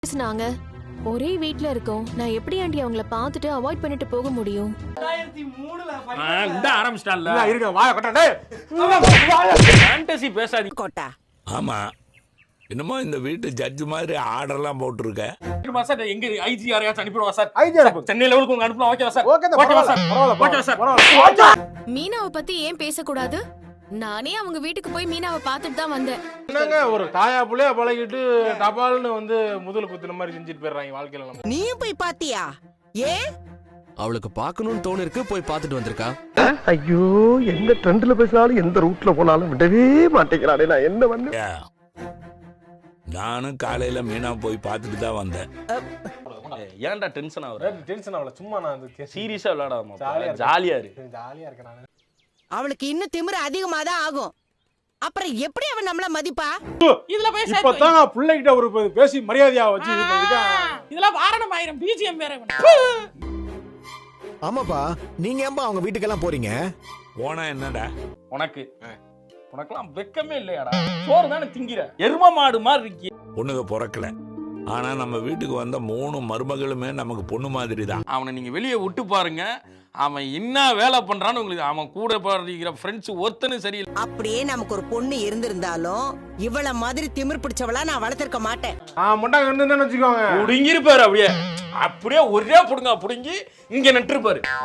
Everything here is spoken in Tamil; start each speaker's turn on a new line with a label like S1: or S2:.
S1: பேசுனாங்க. ஒரே வீட்ல இருக்கோம். நான் எப்படி ஆண்டி அவங்கள பார்த்துட்டு அவாய்ட் பண்ணிட்டு போக முடியும்?
S2: 2003ல இந்த ஆரம்பிச்சிட்டான்ல.
S3: இருங்க வாய கட்ட டேய்.
S2: ஃபேண்டசி பேசாதீங்க.
S4: கோட்டா
S5: ஆமா என்னமோ இந்த வீட்டு ஜட்ஜ் மாதிரி ஆர்டர்லாம் போட்டுருக்க.
S2: சார் எங்க ஐஜி யாரையாச்சும் அனுப்பிடுவா சார்?
S3: ஐஜி அனுப்பு.
S2: சென்னை லெவலுக்கு உங்க அனுப்பலாம். ஓகேவா சார்?
S3: ஓகே
S2: ஓகேவா சார்? ஓகேவா சார்?
S1: மீனாவை பத்தி ஏன் பேசக்கூடாது? நானே அவங்க வீட்டுக்கு போய் மீனாவை பார்த்துட்டு தான் வந்தேன்.
S3: என்னங்க ஒரு தாயா புள்ளையா பழகிட்டு டபால்னு வந்து முதல் குத்துன மாதிரி செஞ்சுட்டு போயிடுறாங்க வாழ்க்கையில நம்ம.
S4: நீயும் போய் பாத்தியா? ஏ
S6: அவளுக்கு பார்க்கணும்னு தோணு இருக்கு, போய் பார்த்துட்டு வந்திருக்கா.
S7: ஐயோ எந்த ட்ரெண்ட்ல பேசினாலும் எந்த ரூட்ல போனாலும் விடவே மாட்டேங்கிறானே, நான் என்ன பண்ண?
S5: நானும் காலையில மீனா போய் பார்த்துட்டு தான் வந்தேன்.
S2: ஏன்டா டென்ஷன் ஆகுற?
S3: டென்ஷன் ஆகல, சும்மா நான்
S2: சீரியஸா விளையாடாம
S3: ஜாலியா
S2: ஜாலியா இரு.
S3: ஜாலியா இருக்கேன் நான்.
S4: அவளுக்கு இன்னும் திமிரு அதிகமா தான் ஆகும். அப்புறம் எப்படி அவன் நம்மள மதிப்பா?
S8: இதுல போய்
S3: இப்பதான் நான் பிள்ளைகிட்ட ஒரு பேசி மரியாதையா வச்சு இது பண்ணிருக்கேன்.
S8: இதெல்லாம் வாரணம் ஆயிரம் பிஜிஎம் வேற.
S9: ஆமாப்பா, நீங்க ஏன்பா அவங்க வீட்டுக்கெல்லாம் போறீங்க?
S5: போனா என்னடா
S2: உனக்கெல்லாம் வெக்கமே இல்லையாடா? சோறு தானே திங்கிற, எரும மாடு மாதிரி இருக்கி.
S5: பொண்ணுங்க பிறக்கல, ஆனா நம்ம வீட்டுக்கு வந்த 3 மருமகளுமே நமக்கு பொண்ணு மாதிரி தான்.
S2: அவனை நீங்க வெளியே விட்டு பாருங்க, அவன் என்ன வேலை பண்றான்னு உங்களுக்கு. அவன் கூட படிக்கிற ஃப்ரெண்ட்ஸ் ஒருத்தனும் சரியில்லை.
S4: அப்படியே நமக்கு ஒரு பொண்ணு இருந்திருந்தாலும் இவள மாதிரி திமிர் பிடிச்சவளா நான் வளர்த்திருக்க மாட்டேன்.
S3: முட்டா கண்டுன்னு வச்சுக்கோங்க.
S2: புடுங்கிருப்பாரு அப்படியே அப்படியே ஒரே புடுங்க புடுங்கி இங்க நட்டுருப்பாரு.